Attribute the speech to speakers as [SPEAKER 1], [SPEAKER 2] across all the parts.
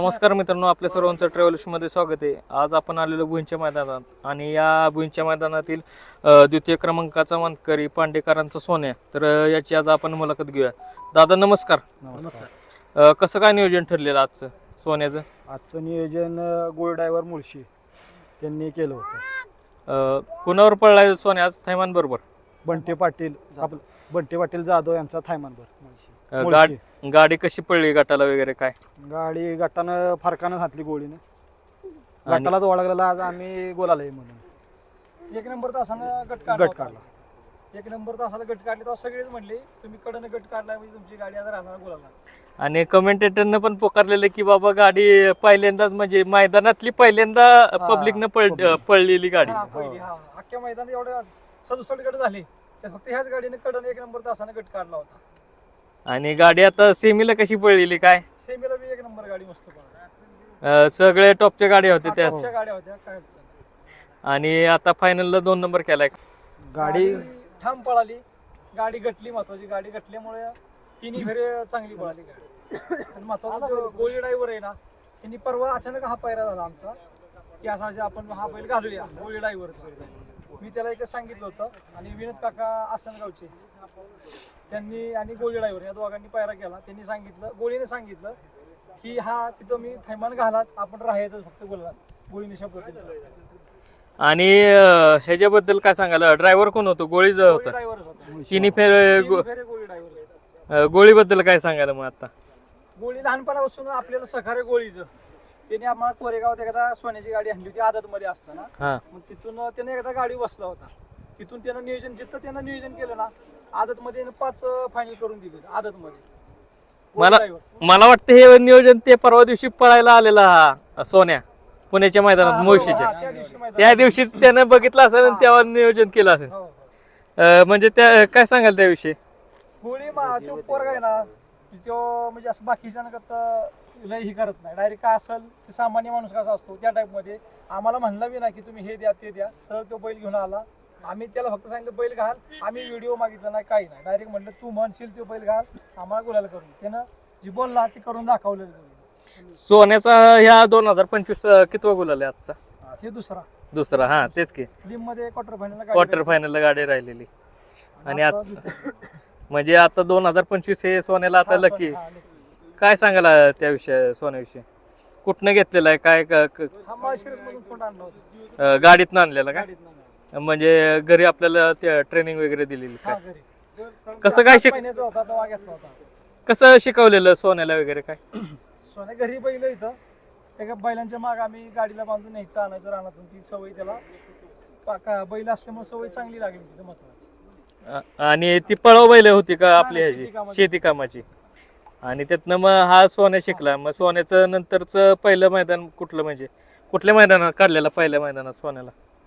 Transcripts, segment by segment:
[SPEAKER 1] नमस्कार मित्रांनो, आपल्या सर्वांचं ट्रॅव्हल्समध्ये स्वागत आहे. आज आपण आलेलो भुईंच्या मैदानात आणि या भुईंच्या मैदानातील द्वितीय क्रमांकाचा मानकरी पांडेकरांचा सोन्या. तर याची आज आपण मुलाखत घेऊया. दादा नमस्कार.
[SPEAKER 2] नमस्कार.
[SPEAKER 1] कसं काय नियोजन ठरलेलं आजचं सोन्याचं?
[SPEAKER 2] आजचं नियोजन गोल्ड ड्रायव्हर मुळशी त्यांनी केलं होतं.
[SPEAKER 1] कुणावर पडलाय सोन्या आज? थैमान बरोबर
[SPEAKER 2] बंटे पाटील बंटे पाटील जाधव यांचा थायमानभर.
[SPEAKER 1] गाडी कशी पडली, गटाला वगैरे काय?
[SPEAKER 2] गाडी गटानं फरकानं घातली गोळीनं. गटालाच ओळखलेला आज आम्ही गोलाला म्हणून
[SPEAKER 3] एक नंबर तासानं गट काढला. एक नंबर तासाला गट काढले तेव्हा सगळेच म्हणले तुम्ही कडनं गट काढला म्हणजे तुमची गाडी आता राहणार गोलाला.
[SPEAKER 1] आणि कमेंटेटरनं पण पुकारलेलं की बाबा गाडी पहिल्यांदाच म्हणजे मैदानातली पहिल्यांदा पब्लिकनं पडलेली गाडी.
[SPEAKER 3] अख्ख्या मैदानात एवढे 67 गट झाले फक्त ह्याच गाडीने कडन एक नंबर तासानं गट काढला होता.
[SPEAKER 1] आणि गाडी आता सेमीला कशी पडलेली काय?
[SPEAKER 3] सेमीला बी एक नंबर गाडी मस्त पडली.
[SPEAKER 1] सगळे टॉपच्या गाड्या होत्या त्या.
[SPEAKER 3] टॉपच्या गाड्या होत्या काय.
[SPEAKER 1] आणि आता फायनलला 2 नंबर केलाय.
[SPEAKER 2] गाडी
[SPEAKER 3] ठाम पळाली. गाडी गटली, महत्वाची गाडी गटल्यामुळे तिन्ही फेरे चांगली पळाली गाडी. आणि महत्वाचा गोळी ड्रायव्हर आहे ना, त्यांनी परवा अचानक हा पायरा झाला आमचा की असा आपण हा बैल घालूया गोळी ड्रायव्हर. मी त्याला एकच सांगितलं होतं आणि विनोद काका आसनगावचे त्यांनी आणि गोळी ड्रायव्हर या दोघांनी पायरा केला. त्यांनी सांगितलं, गोळीने सांगितलं की हा तिथं मी थैमान घालाच, आपण राहायचं फक्त गोळीला. गोळीने शब्द दिला.
[SPEAKER 1] आणि ह्याच्याबद्दल काय सांगायला? ड्रायव्हर कोण होतो? गोळीच होता.
[SPEAKER 3] ड्रायव्हरच होता.
[SPEAKER 1] तिन्ही फेरे
[SPEAKER 3] गोळी ड्रायव्हर.
[SPEAKER 1] गोळीबद्दल काय सांगायला मग आता?
[SPEAKER 3] गोळी लहानपणापासून आपल्याला सहकार्य गोळीचं. त्याने आम्हाला कोरेगावात एकदा सोन्याची गाडी आणली होती आदत मध्ये असताना. मग तिथून त्याने एकदा गाडी बसला होता. तिथून त्यानं नियोजन जिथं त्यानं नियोजन केलं ना, आदत मध्ये 5 फायनल करून दिले आदत मध्ये.
[SPEAKER 1] मला वाटतं हे नियोजन ते परवा दिवशी पळायला आलेला हा सोन्या पुण्याच्या मैदानात मुळशीच्या. त्या दिवशीच त्यानं बघितलं असेल आणि तेव्हा नियोजन केलं असेल. म्हणजे त्या काय सांगाल त्याविषयी?
[SPEAKER 3] गोळी तो पोरगा आहे ना, तो म्हणजे असं बाकीच्या लय ही करत नाही. डायरेक्ट काय असेल ते सामान्य माणूस कसा असतो त्या टाइप मध्ये आम्हाला म्हणला बी ना की तुम्ही हे द्या ते द्या. सरळ तो बैल घेऊन आला. आम्ही त्याला फक्त सांगितलं बैल घाल. आम्ही व्हिडिओ मागितला नाही, काही नाही. डायरेक्ट म्हणलं तू म्हणशील तो बैल घाल, आम्हाला गुलाल करून. त्यानं जी बोलला ते करून दाखवलं.
[SPEAKER 1] सोन्याचा ह्या 2025 कितवा गुलाल आहे आजचा?
[SPEAKER 3] हे
[SPEAKER 1] दुसरा. हा तेच की.
[SPEAKER 3] लिम मध्ये
[SPEAKER 1] क्वार्टर फायनलला गाडी राहिलेली. आणि आज म्हणजे आता 2025 हे सोन्याला आता लकी. काय सांगायला त्याविषयी, सोन्याविषयी? कुठनं घेतलेला आहे काय? गाडीतनं आणलेला का? म्हणजे घरी आपल्याला ट्रेनिंग वगैरे दिलेली काय? कसं काय कसं शिकवलेलं सोन्याला वगैरे काय?
[SPEAKER 3] सोन्या घरी बैल इथं एका बैलांच्या माग आम्ही गाडीला बांधून न्यायचं आणायचं रानातून. ती सवय त्याला बैल असल्यामुळे सवय चांगली लागली तिथं महत्वाची.
[SPEAKER 1] आणि ती पळव बैल होती का आपली ह्याची शेती कामाची? आणि त्यातनं मग हा सोन्या शिकला. मग सोन्याचं नंतरचं पहिलं मैदान कुठलं, म्हणजे कुठल्या मैदानात काढलेलं पहिल्या मैदानात सोन्याला?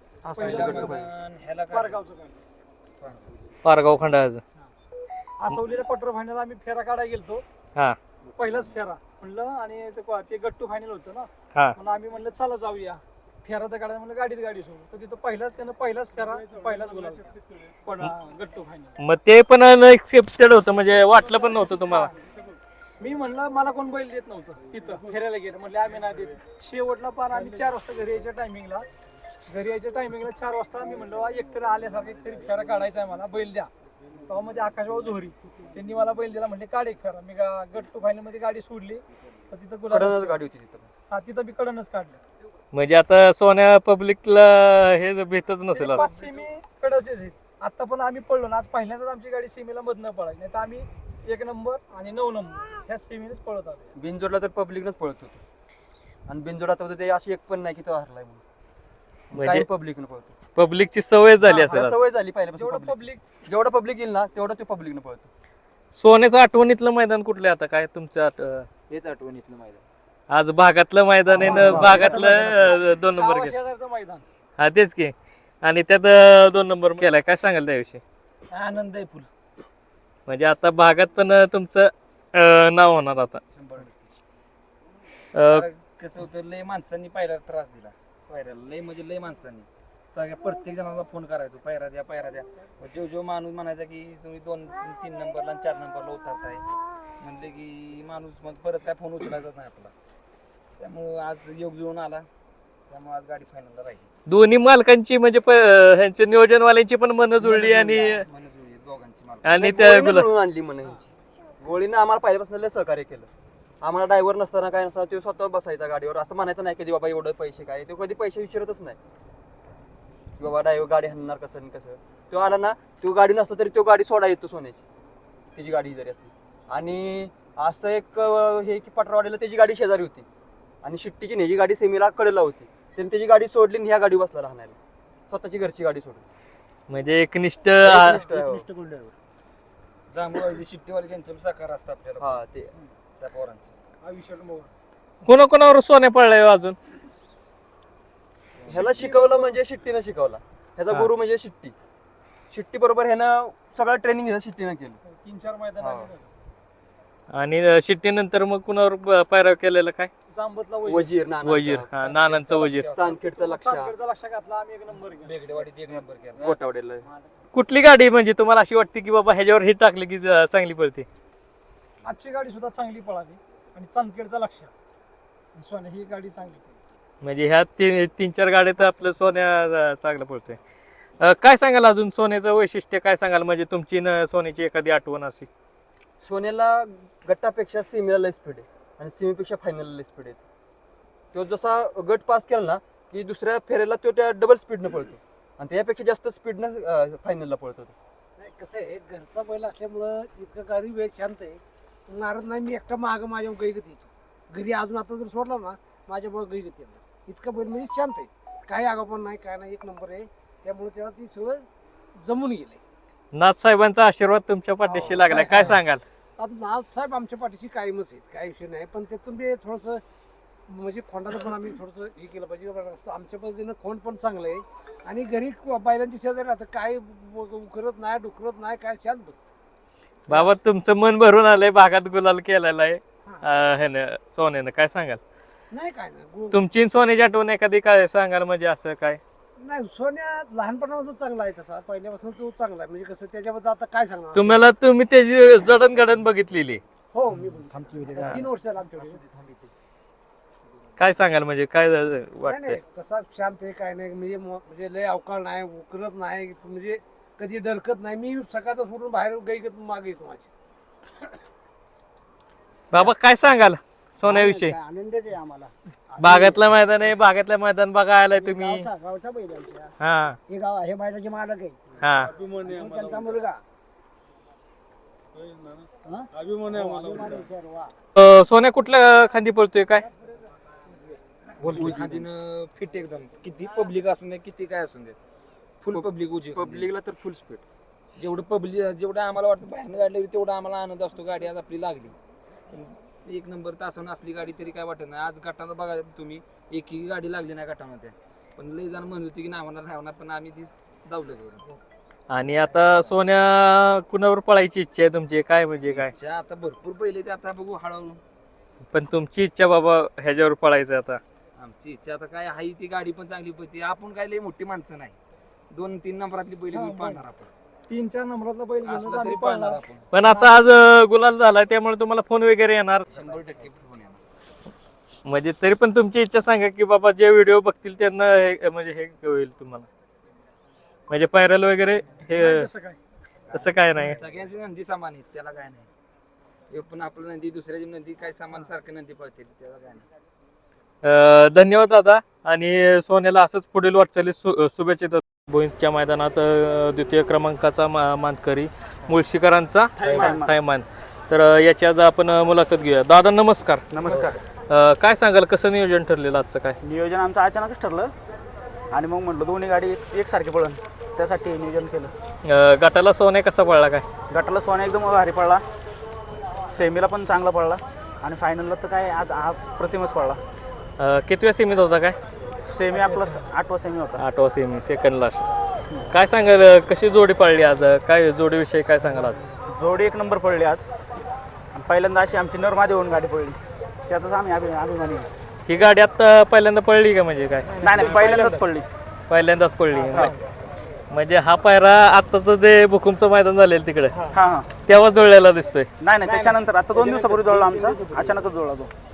[SPEAKER 1] पारगाव खंडाळाचं.
[SPEAKER 3] आसवलीला क्वार्टर फायनल आम्ही फेरा काढायला गेलतो.
[SPEAKER 1] हा
[SPEAKER 3] पहिलाच फेरा म्हणलं. आणि ते गट्टू फायनल होतं ना, म्हणून आम्ही म्हणलं चला जाऊया फेरा तर काढायला. म्हणलं गाडीत सोडून तर तिथं त्यानं पहिलाच फेरा पहिलाच बोलावलं पण गट्टू फायनल.
[SPEAKER 1] मग ते पण अनएक्सेप्टेड होतं, म्हणजे वाटलं पण नव्हतं तुम्हाला?
[SPEAKER 3] मी म्हणलं मला कोण बैल देत नव्हतं तिथं फेरायला गेलं. म्हणले आम्ही नाही देत. शेवटला पार आम्ही 4 वाजता घरी यायच्या टायमिंगला 4 वाजता आम्ही म्हणलं एकतरी आल्यासारखं एकतरी फेरा काढायचा आहे, मला बैल द्या. तेव्हा मध्ये आकाशभाऊ जोहरी त्यांनी मला बैल दिला. म्हणजे काढ एक फेरा. मी गट्टू फायनल मध्ये गाडी सोडली तर तिथं गुलाल गाडी होती तिथं. तिथं मी कडनच काढलं.
[SPEAKER 1] म्हणजे आता सोन्या पब्लिकला हे भेटच नसेल.
[SPEAKER 3] 5 सेमी कडचेच आहेत. आता पण आम्ही पडलो ना, आज पहिल्यांदाच आमची गाडी सेमीला मधनं पळाली. नाही तर आम्ही 1 नंबर आणि 9 नंबर ह्या सेमीनेच पळत आलो.
[SPEAKER 4] बिनजोडला तर पब्लिकनच पळत होतो. आणि बिनजोडात होतं ते अशी एक पण नाही की तो हरलाय म्हणून.
[SPEAKER 1] म्हणजे
[SPEAKER 4] पब्लिकनं पळतो.
[SPEAKER 1] पब्लिकची सवय झाली असेल.
[SPEAKER 4] सवय झाली पहिल्यापासून. जेवढं पब्लिक येईल ना तेवढं तो पब्लिकनं पळतो.
[SPEAKER 1] सोन्याचं आठवणीतलं मैदान कुठलं आता काय तुमच्या?
[SPEAKER 4] हेच आठवणीतलं मैदान.
[SPEAKER 1] आज भागातलं मैदान आहे ना, भागातलं 2 नंबर केलं.
[SPEAKER 3] मैदान.
[SPEAKER 1] हा तेच की. आणि त्यात 2 नंबर केलाय. काय सांगाल त्याविषयी?
[SPEAKER 3] आनंद आहे फुल.
[SPEAKER 1] म्हणजे आता भागात पण तुमचं नाव होणार आता.
[SPEAKER 5] कसं होतं, लय माणसांनी पायऱ्याला त्रास दिला. पायऱ्याला लय म्हणजे लय माणसांनी सगळ्या प्रत्येक जणाला फोन करायचो, पायरा द्या. जो माणूस म्हणायचा की तुम्ही 2-3 नंबरला आणि 4 नंबरला उतरताय म्हणले की माणूस मग परत काय फोन उचलायचाच नाही आपला. त्यामुळं आज योग जुळून आला, त्यामुळे आज गाडी फायनलला राहिली.
[SPEAKER 1] दोन्ही मालकांची म्हणजे ह्यांच्या नियोजनवाल्यांची पण मन जुळली आणि
[SPEAKER 5] मन जुळली दोघांची मालक.
[SPEAKER 1] आणि त्या
[SPEAKER 4] गोळीनं
[SPEAKER 1] गुलाल
[SPEAKER 4] जुळवून आणली म्हणे ह्यांची. गोळीनं आम्हाला पहिल्यापासून लय सहकार्य केलं. आम्हाला ड्रायव्हर नसताना काय नसताना तो स्वतः बसायचा गाडीवर. असं म्हणायचं नाही कधी बाबा एवढं पैसे काय, तो कधी पैसे विचारतच नाही की बाबा ड्रायव्हर गाडी हाणणार कसं आणि कसं. तो आला ना, तो गाडी नसता तरी तो गाडी सोडा येतो सोन्याची, त्याची गाडी जरी असली. आणि असं एक हे की पटरवाडीला त्याची गाडी शेजारी होती आणि शिट्टीची ह्याची गाडी सेमीला कडेला होती. त्याने त्याची गाडी सोडली आणि ह्या गाडी बसला लहानायला, स्वतःची घरची गाडी सोडली.
[SPEAKER 1] म्हणजे एकनिष्ठ
[SPEAKER 5] जांभूळवाडी शिट्टीवाले त्यांचं साकार असतं आपल्याला,
[SPEAKER 4] हा ते
[SPEAKER 5] त्या पोरांचं.
[SPEAKER 1] कोणाकोणावर सोन्या पडलाय हो अजून?
[SPEAKER 4] ह्याला शिकवलं म्हणजे शिट्टीनं शिकवला. ह्याचा
[SPEAKER 1] हा.
[SPEAKER 4] गुरु म्हणजे शिट्टी. शिट्टी बरोबर ह्यानं सगळं ट्रेनिंग शिट्टीनं केलं.
[SPEAKER 3] 3-4 मैदान
[SPEAKER 4] हा.
[SPEAKER 1] आणि शिट्टीनंतर मग कुणावर पायरा केलेला काय?
[SPEAKER 3] जांबतला
[SPEAKER 4] वजीर
[SPEAKER 1] वजीर, हा, नानांचं वजीर.
[SPEAKER 4] चांदखेडचा लक्ष,
[SPEAKER 3] लक्ष घातला आम्ही 1 नंबर केला.
[SPEAKER 5] बेगडेवाडीत 1 नंबर केला.
[SPEAKER 4] गोटावडेला.
[SPEAKER 1] कुठली गाडी म्हणजे तुम्हाला अशी वाटते की बाबा ह्याच्यावर हिट टाकली की चांगली पडते?
[SPEAKER 3] आजची गाडी सुद्धा चांगली पळाली आणि चांदखेडचा लक्ष सोन्या ही गाडी चांगली पळाली.
[SPEAKER 1] म्हणजे ह्या 3-4 गाड्यात आपलं सोन्या चांगलं पडतोय. काय सांगाल अजून सोन्याचं वैशिष्ट्य काय सांगाल, म्हणजे तुमची सोन्याची एखादी आठवण अशी?
[SPEAKER 4] सोन्याला गटापेक्षा सेमीला लय स्पीड आहे आणि सेमीपेक्षा फायनलला लय स्पीड आहे. तो जसा गट पास केला ना की दुसऱ्या फेऱ्याला तो त्या डबल स्पीडनं पळतो आणि त्यापेक्षा जास्त स्पीडनं फायनलला पळतो.
[SPEAKER 6] नाही कसं आहे, घरचा बैल असल्यामुळं इतकं गाडी वेळ शांत आहे. नारद नाही, मी एकटा मागं माझ्या गैगत येतो. घरी अजून आता जर सोडला ना माझ्यामुळे गैगत येणार. इतकं बैल म्हणजे शांत आहे, काही आगापण नाही, काय नाही, 1 नंबर आहे. त्यामुळे त्याला ती सगळं जमून गेलंय.
[SPEAKER 1] नाथ साहेबांचा आशीर्वाद तुमच्या पाठीशी लागलाय, काय सांगाल?
[SPEAKER 6] आता नाथ साहेब आमच्या पाठीशी कायमच आहेत, काही विषय नाही. पण त्यातून ते थोडंसं म्हणजे खोंडाचं पण आम्ही थोडंसं हे केलं पाहिजे. आमच्या पद्धतीनं खोंड पण चांगलं आहे आणि घरी बैलांची शेजारी राहतं, काय उकरत नाही, डुकरत नाही, काय शांत बसतं.
[SPEAKER 1] बाबा तुमचं मन भरून आलंय, भागात गुलाल केलेला आहे ह्यानं सोन्यानं, काय सांगाल?
[SPEAKER 6] नाही काय नाही
[SPEAKER 1] तुमची सोन्याची आठवण एखादी काय सांगाल, म्हणजे असं काय?
[SPEAKER 6] नाही, सोन्या लहानपणापासून चांगला आहे, तसा पहिल्यापासून तो चांगला आहे. म्हणजे कसं त्याच्याबद्दल आता काय सांगणार.
[SPEAKER 1] तुम्ही त्याची जडणघडण बघितलेली,
[SPEAKER 6] हो मी 3 वर्षाला आमच्याकडे.
[SPEAKER 1] काय सांगाल, म्हणजे काय
[SPEAKER 6] नाही
[SPEAKER 1] वाटतंय?
[SPEAKER 6] नाही, तसा शांत आहे, काय नाही. म्हणजे लय अवकाळ नाही, उकरत नाही, म्हणजे कधी डरकत नाही. मी सकाळचा सोडून बाहेर गैगत मागे येतो माझी.
[SPEAKER 1] बाबा काय सांगाल सोन्याविषयी?
[SPEAKER 6] आनंदच आहे आम्हाला.
[SPEAKER 1] बागातलं मैदान आहे, बागातलं मैदान बघा आलाय तुम्ही.
[SPEAKER 6] गावच्या बैलांच्या
[SPEAKER 1] हा
[SPEAKER 6] हे गाव हे बैलाचे मालक आहे,
[SPEAKER 1] हा
[SPEAKER 6] तो त्यांचा मुलगा.
[SPEAKER 1] सोन्या कुठल्या खांदी पळतोय काय?
[SPEAKER 5] खादीनं फिट एकदम, किती पब्लिक असून दे, किती काय असून दे, फुल पब्लिक उजी.
[SPEAKER 4] पब्लिकला तर फुल स्पीड.
[SPEAKER 5] जेवढं पब्लिक, जेवढं आम्हाला वाटतं बाहेरनं गाडी लागली तेवढा आम्हाला आनंद असतो. गाडी आज आपली लागली, 1 नंबर तासानं असली गाडी तरी काय वाटत नाही. आज गटाला बघा तुम्ही, एकही गाडी लागली नाही गटामध्ये. पण लई जण म्हणत होती की नाही होणार, पण आम्ही ती जाऊलं.
[SPEAKER 1] आणि आता सोन्या कुणावर पळायची इच्छा आहे तुमची, काय म्हणजे काय?
[SPEAKER 5] आता भरपूर पहिले ते आता बघू हळूहळू.
[SPEAKER 1] पण तुमची इच्छा बाबा ह्याच्यावर पळायचं आता?
[SPEAKER 5] आमची इच्छा आता काय आहे, ती गाडी पण चांगली पळते. आपण काय लई मोठी माणसं नाही, 2-3 नंबरातली बैल घेऊन पाहणार आपण.
[SPEAKER 3] 3-4 नंबरातला बैल घेऊनच
[SPEAKER 5] असला
[SPEAKER 3] आम्ही
[SPEAKER 5] तरी पाहणार
[SPEAKER 3] पळणार.
[SPEAKER 5] आपण.
[SPEAKER 1] पण आता आज गुलाल झालाय त्यामुळे तुम्हाला फोन वगैरे येणार,
[SPEAKER 5] 100% फोन येणार.
[SPEAKER 1] म्हणजे तरी पण तुमची इच्छा सांगा की बाबा जे व्हिडिओ बघतील त्यांना म्हणजे हे होईल तुम्हाला, म्हणजे पायरल वगैरे हे
[SPEAKER 3] तसं काय
[SPEAKER 1] तसं काय नाही?
[SPEAKER 5] सगळ्यांची नंदी समान आहेत, त्याला काय नाही. हे पण आपलं नंदी, दुसऱ्याची नंदी काय समान सारखं नंदी पळते, त्याला काय नाही.
[SPEAKER 1] धन्यवाद दादा, आणि सोन्याला असंच पुढील वाटचाली शुभेच्छा देतो. भोईंच्या मैदानात द्वितीय क्रमांकाचा मानकरी मुळशीकरांचा थैमान. तर याची आज आपण मुलाखत घेऊया. दादा नमस्कार.
[SPEAKER 2] नमस्कार.
[SPEAKER 1] काय सांगाल, कसं नियोजन ठरलेलं आजचं? काय
[SPEAKER 2] नियोजन आमचं अचानकच ठरलं आणि मग म्हटलं दोन्ही गाडी एकसारखी पळण, त्यासाठी नियोजन केलं.
[SPEAKER 1] गटाला सोन्या कसा पडला काय?
[SPEAKER 2] गटाला सोन्या एकदम भारी पडला, सेमीला पण चांगला पडला आणि फायनलला तर काय आज प्रतिमच पडला.
[SPEAKER 1] कितव्या सेमीत होता काय?
[SPEAKER 2] सेमी आपला 8वा सेमी होता.
[SPEAKER 1] 8वा सेमी, सेकंड लास्ट. काय सांगाल, कशी जोडी पडली आज? काय जोडीविषयी काय सांगाल आज?
[SPEAKER 2] जोडी 1 नंबर पडली आज. आणि पहिल्यांदा अशी आमची नरमादी होऊन गाडी पडली, त्याचाच आम्ही अभिमानी.
[SPEAKER 1] ही गाडी आता पहिल्यांदा पडली का, म्हणजे काय?
[SPEAKER 2] नाही पहिल्यांदाच पडली.
[SPEAKER 1] पहिल्यांदाच पडली. म्हणजे हा पायरा आताच जे भूकंपचं मैदान झालेलं तिकडे
[SPEAKER 2] हां
[SPEAKER 1] तेव्हा जुळलेला दिसतोय.
[SPEAKER 2] नाही त्याच्यानंतर आता 2 दिवसापूर्वी जोडला आमचा, अचानकच जोडला तो.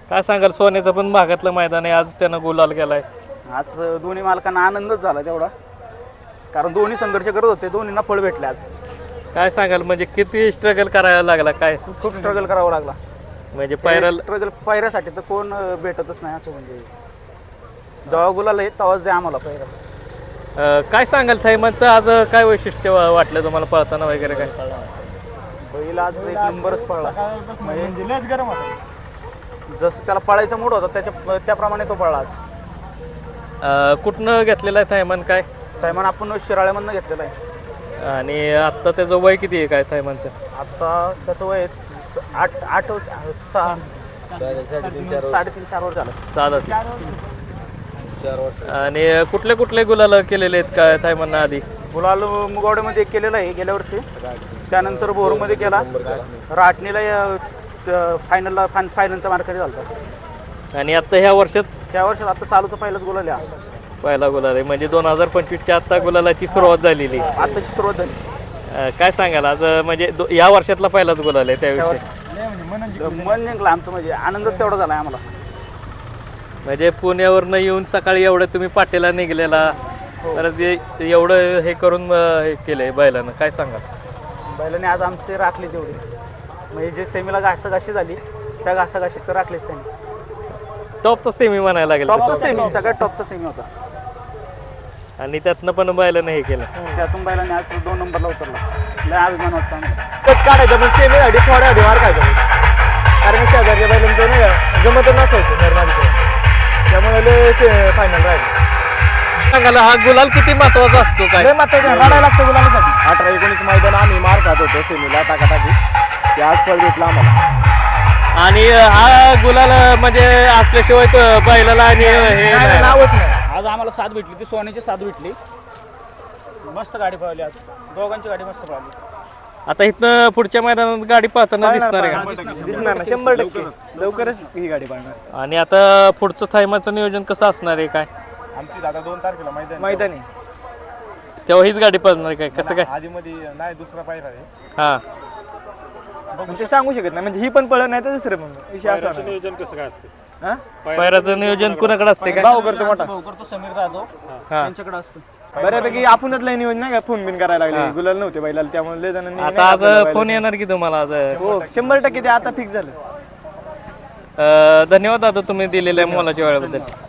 [SPEAKER 1] काय सांगाल सोन्याचं पण भागातलं मैदान आहे, आज त्यानं गुलाल केलाय.
[SPEAKER 2] आज दोन्ही मालकांना आनंदच झाला तेवढा, कारण दोन्ही संघर्ष करत होते, दोन्हींना फळ भेटले आज.
[SPEAKER 1] काय सांगाल म्हणजे किती स्ट्रगल करायला लागला काय,
[SPEAKER 2] खूप स्ट्रगल करावा लागला.
[SPEAKER 1] म्हणजे पायरल
[SPEAKER 2] स्ट्रगल पायऱ्यासाठी तर कोण भेटतच नाही असं, म्हणजे जेव्हा गुलाल आहे तेव्हाच द्या आम्हाला पायऱ्या.
[SPEAKER 1] काय सांगाल थैमानचं आज काय वैशिष्ट्य वाटलं तुम्हाला पळताना वगैरे काय?
[SPEAKER 2] बैल आज एक नंबरच पळला, म्हणजे लयच गरम होता. जसं त्याला पळायचा मूड होता त्याप्रमाणे तो पळला आज.
[SPEAKER 1] कुठनं घेतलेलं आहे थैमान काय?
[SPEAKER 2] थैमान आपण शिराळ्यामधनं घेतलेला आहे.
[SPEAKER 1] आणि आत्ता त्याचं वय किती आहे काय थैमानचं?
[SPEAKER 2] आता त्याचं वय 3.5-4 वर्ष झालं.
[SPEAKER 1] चालत. आणि कुठले कुठले गुलाल केलेले आहेत काय थैमाननं आधी?
[SPEAKER 2] गुलाल मुगवड्यामध्ये एक केलेला आहे गेल्या वर्षी, त्यानंतर बोरमध्ये केला, राटणीला फायनलचा मार्केट झाला.
[SPEAKER 1] आणि आता ह्या वर्षात
[SPEAKER 2] त्या वर्षात आता चालूचा पहिलाच गुलाल आहे.
[SPEAKER 1] पहिला गुलाल आहे म्हणजे 2025च्या आता गुलालाची सुरुवात झालेली.
[SPEAKER 2] आताची सुरुवात झाली.
[SPEAKER 1] काय सांगाल आज म्हणजे या वर्षातला पहिलाच गुलाल आहे त्याविषयी?
[SPEAKER 2] मन जिंकलं आमचं, म्हणजे आनंदच तेवढा झाला आम्हाला.
[SPEAKER 1] म्हणजे पुण्यावरनं येऊन सकाळी एवढं तुम्ही पाटेला निघलेला, तर ते एवढं हे करून हे केलंय बैलानं, काय सांगाल?
[SPEAKER 2] बैलाने आज आमचे राखले तेवढे, म्हणजे जे सेमीला घासाघाशी झाली त्या घासाघाशीत तर राखलेच त्यांनी.
[SPEAKER 1] टॉपचा सेमी म्हणायला लागेल
[SPEAKER 2] टॉपचा सेमी, सगळ्यात टॉपचा सेमी होता.
[SPEAKER 1] आणि त्यातनं पण बैलानं हे केलं.
[SPEAKER 2] त्यातून बैलाने आज 2 नंबरला उतरला, लय अभिमान वाटतो आम्हाला.
[SPEAKER 7] कट काढायचं पण सेमीसाठी थोड्या मार खायचा, कारण शेजारच्या बैलांचं नाही का जमत नसायचं निर्माणीचं, त्यामुळे लय फायनल राहिलं.
[SPEAKER 1] सांगायला हा गुलाल किती महत्वाचा असतो काय?
[SPEAKER 7] लय मात्र रडायला लागतं गुलाबासाठी. 18-19 मैदान आम्ही मार खात होतो सेमीला टाकाटाकी, ते आज फळ भेटलं आम्हाला.
[SPEAKER 1] आणि हा गुलाल म्हणजे असल्याशिवाय तर बैलाला आणि हे नाही.
[SPEAKER 7] नावच नाही.
[SPEAKER 2] आज आम्हाला साथ भेटली, ती सोन्याची साथ भेटली. मस्त गाडी पळवली आज, दोघांची गाडी मस्त पळवली.
[SPEAKER 1] आता इथनं पुढच्या मैदानात गाडी पाहताना दिसणार आहे का?
[SPEAKER 7] दिसणार ना 100%, लवकरच ही गाडी पाहणार.
[SPEAKER 1] आणि आता पुढचं थैमाचं नियोजन कसं असणार आहे काय?
[SPEAKER 7] आमची दादा 2 तारखेला मैदानी
[SPEAKER 1] तेव्हा हीच गाडी पळणार आहे काय, कसं काय?
[SPEAKER 7] आधी मध्ये नाही दुसरा पायरा आहे,
[SPEAKER 1] हा
[SPEAKER 7] ते सांगू शकत नाही, म्हणजे ही पण पळत नाही तर दुसरं पण विषय असा नाही.
[SPEAKER 8] नियोजन कसं काय असते?
[SPEAKER 7] हा?
[SPEAKER 1] पैराचं नियोजन कुणाकडे असते काय?
[SPEAKER 7] भाऊ करतो मोठा,
[SPEAKER 2] भाऊ करतो समीर जाधव,
[SPEAKER 1] हा.
[SPEAKER 2] त्यांच्याकडे असतं.
[SPEAKER 7] बऱ्यापैकी आपणच लय नियोजन नाही का, फोन बिन करायला लागले, गुलाल नव्हते बैलाला, त्यामुळे लय जणांनी
[SPEAKER 1] आता आज फोन येणार की तुम्हाला आज?
[SPEAKER 7] हो 100% ते आता फिक्स झालं.
[SPEAKER 1] धन्यवाद दादा तुम्ही दिलेल्या मोलाच्या वेळेबद्दल.